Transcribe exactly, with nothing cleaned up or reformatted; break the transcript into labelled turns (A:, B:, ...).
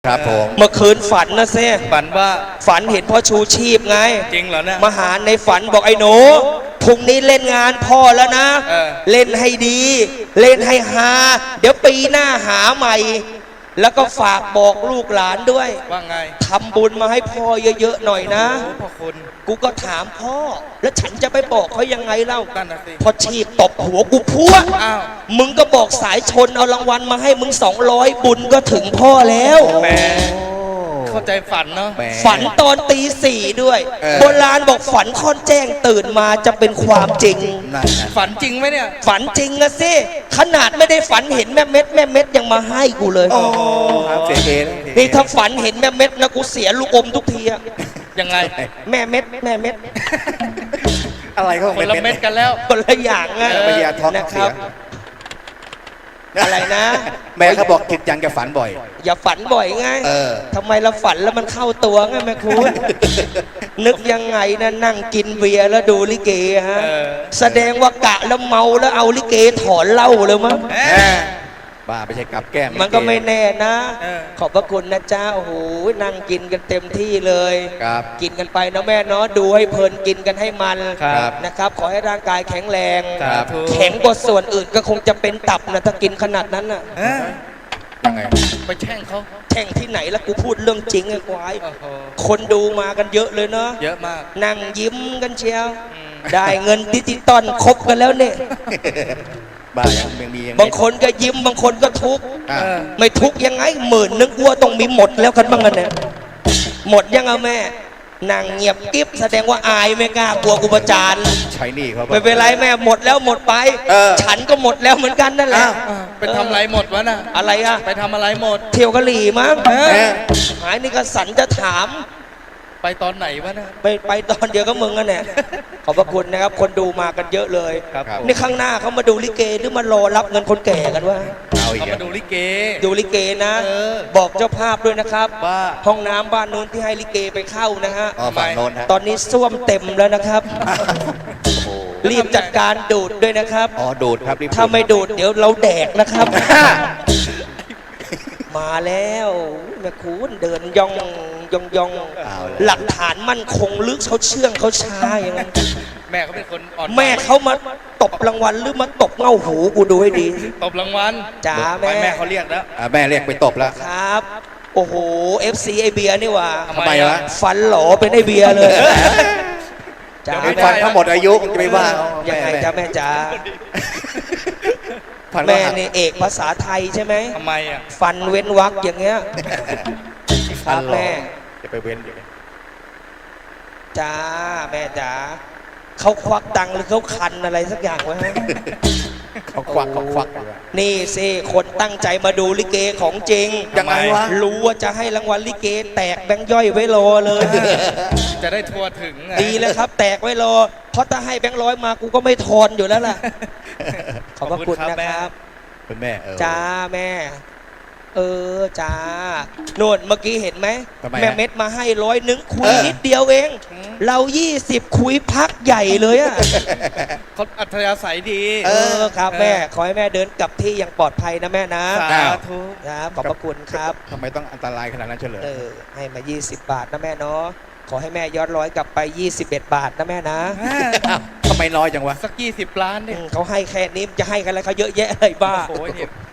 A: ครับผม
B: เมื่อคืนฝันนะเซ่
C: ฝันว่า
B: ฝันเห็นพ่อชูชีพไง
C: จริงเหรอเนี่ย
B: มาหาในฝันบอกไอ้หนูพรุ่งนี้เล่นงานพ่อแล้วนะเออเล่นให้ดี เล่นให้ฮาเดี๋ยวปีหน้าหาใหม่แล้วก็ฝากบอกลูกหลานด้วย
C: ว่าไง
B: ทำบุญมาให้พ่อเยอะๆหน่อยนะ
C: พ่อคุณ
B: กูก็ถามพ่อแล้วฉันจะไปบอกเขายังไงเล่า
C: นั่นน่ะสิ
B: พอชีพตบหัวกูพัวอ้าวมึงก็บอกสายชนเอารางวัลมาให้มึงสองร้อยบุญก็ถึงพ่อแล้ว
C: แหมเข้าใจฝันเนาะ
B: ฝันตอนตีสี่ด้วยโบราณบอกฝันค่อนแจ้งตื่นมาจะเป็นความจริง
C: ฝันจริงไหมเนี่ย
B: ฝันจริงนะสิขนาดไม่ได้ฝันเห็นแม่เม็ดแม่เม็ดยังมาให้กูเลย
A: โอ้เสียเอ
B: นี่ถ้าฝันเห็นแม่เม็ดนะกูเสียลูกอมทุกทีอะ
C: ยังไง
B: แม่เม็ดแม่เม็ด
A: อะไรก็
C: คนละเม็ดกันแล้ว
B: คนละอย่างนะ
A: นะครับ
B: อะไรนะ
A: แม่เขาบอกคิดยังจะฝันบ่อย
B: อย่าฝันบ่อยไงทำไมเราฝันแล้วมันเข้าตัวไงแม่คุณนึกยังไงนะนั่งกินเบียร์แล้วดูลิเกฮะแสดงว่ากะแล้วเมาแล้วเอาลิเกถอนเหล้าเลยมั้ง
A: บ้าไม่ใช่กับแก้ม
B: มันก็ไม่แน่นะขอบพระคุณนะจ้าโอ้โหนั่งกินกันเต็มที่เลยกินกันไปนะแม่เนาะดูให้เพลินกินกันให้มันนะครับขอให้ร่างกายแข็งแรงแข็งกว่าส่วนอื่นก็คงจะเป็นตับนะถ้ากินขนาดนั้นน่ะ
A: ยังไง
C: ไปแช่งเขา
B: แช่งที่ไหนแล้วกูพูดเรื่องจริงไอ้ควายคนดูมากันเยอะเลยเนาะ
C: เยอะมาก
B: นั่งยิ้มกันเชียวได้เงินดิจิตอลครบกันแล้วเนี่ย
A: บ้ายังมี
B: บางคนก็ยิ้มบางคนก็ทุกข์ไม่ทุกข์ยังไงหมื่นนึกว่าต้องมีหมดแล้วกันบ้างกันเนี่ยหมดยังเอาแม่นางเงียบกิ๊บแสดงว่าอายไม่กล้ากลัวกูประจาน
A: ใช่นี่เขา
B: ไม่เป็นไรแม่หมดแล้วหมดไปฉันก็หมดแล้วเหมือนกันนั่นแหละ
C: ไปทำอะไรหมดวะน่ะ
B: อะไรอะ
C: ไปทำอะไรหมด
B: เที่ยวกะหรี่มั้งหายนี่ก็สันจะถาม
C: ไปตอนไหนวะนะ
B: ไปไปตอนเดียวก็มึงกันเนี่ยขอบพระคุณนะครับคนดูมากันเยอะเลยนี่ข้างหน้าเขามาดูลิเกหรือมารอรับเงินคนแก่กันวะ
C: เขามาดูลิเก
B: ดูลิเกนะบอกเจ้าภาพด้วยนะครับว่าห้องน้ำบ้านนู้นที่ให้ลิเกไปเข้านะฮะตอนนี้ส้วมเต็มแล้วนะครับรีบจัดการดูดด้วยนะครับ
A: อ๋อดูดครับ
B: ถ้าไม่ดูดเดี๋ยวเราแดกนะครับมาแล้วแม่คุณเดินย่องย่องย่องหลักฐานมั่นคงลึกเขาเชื่องเขาช้าอย่างนั้น
C: แม่เขาเป็นคนอ่อน
B: แม่เขามาตบรางวัลหรือมาตบเงาหูกูดูให้ดี
C: ตบรางวัล
B: จ๋าแม่
C: แม่เขาเรียกแล้ว
A: แม่เรียกไปตบแล้ว
B: ครับโอ้โห เอฟ ซี ไอเบียนี่ว่า
A: ทำไมวะ
B: ฟันหล่อเป็นไอเบียเลย
A: จ๋าฟันทั้งหมดอายุจะไม่ว่า
B: ยังไงจ้าแม่จ๋าแม่นี่เอกภาษาไทยใช่ไหม
C: ทำไมอ่ะ
B: ฟันเว้นวรรคอย่างเงี้ยครับแม่
A: จะไปเว้นอยู่
B: จ้าแม่จ๋าเขาควักตังค์หรือเขาคันอะไรสักอย่างวะฮะ
A: เขาควักเขาควัก
B: นี่สิคนตั้งใจมาดูลิเกของจริง
A: ยังไงวะ
B: รู้ว่าจะให้รางวัลลิเกแตกแบงค์ย่อยไว้รอเลย
C: จะได้ทัวถึง
B: ดีเลยครับแตกไว้รอเพราะถ้าให้แบงค์ร้อยมากูก็ไม่ทอนอยู่แล้วล่ะขอบพระคุณนะครับ
A: คุณแม่
B: จ้าแม่เออจ้าโน่นเมื่อกี้เห็นไหมแม่เม็ดมาให้ร้อยนึงคุยนิดเดียวเองเรายี่สิบคุยพักใหญ่เลยอะ
C: เขาอัธยาศัยดี
B: เออครับแม่ขอให้แม่เดินกลับที่อย่างปลอดภัยนะแม่นะ
C: สาธุ
B: ครับขอบพระคุณครับ
A: ทำไมต้องอันตรายขนาดนั้นเฉลย
B: เออให้มายี่สิบบาทนะแม่เนาะขอให้แม่ย้อนร้อยกลับไปยี่สิบเอ็ดบาทนะแม่นะ
A: ทำไมน้อยจังวะ
C: สักยี่สิบล้านเนี่ย
B: เขาให้แค่นี้จะให้กันอะไรเขาเยอะแยะเลยบ้า
C: โอ้ย